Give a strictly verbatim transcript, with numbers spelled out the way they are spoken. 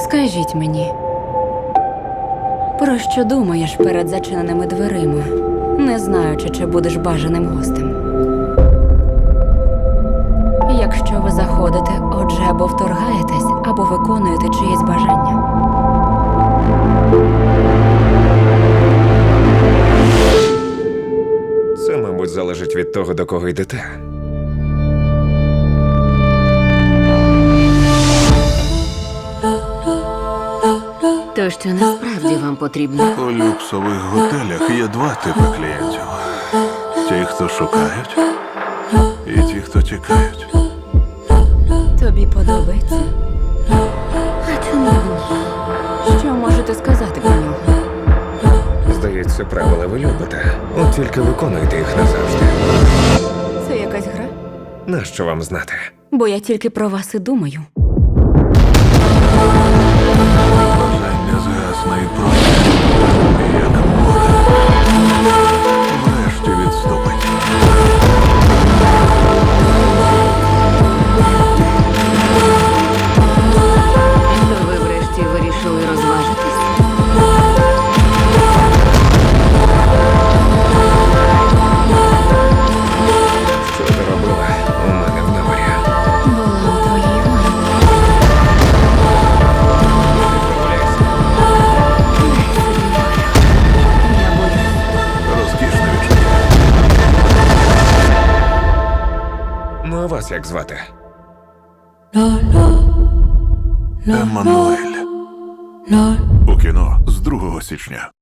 Скажіть мені, про що думаєш перед зачиненими дверима, не знаючи, чи будеш бажаним гостем? Якщо ви заходите, отже, або вторгаєтесь, або виконуєте чиєсь бажання. Це, мабуть, залежить від того, до кого йдете. То що насправді вам потрібно? У люксових готелях є два типи клієнтів. Ті, хто шукають, і ті, хто тікають. Тобі подобається? А чому ні? Що можете сказати про нього? Здається, правила ви любите. От тільки виконуйте їх назавжди. Це якась гра? Нащо вам знати? Бо я тільки про вас і думаю. Бажання згасне і пройде, як море. Врешті відступить. То ви врешті вирішили розважитись? Що ти робила у мене в номері? Була у твоїй ванні. Відправляйся. Я боюсь. Розкішне відчуття. Ну, а вас як звати? Еммануель. У кіно з другого січня.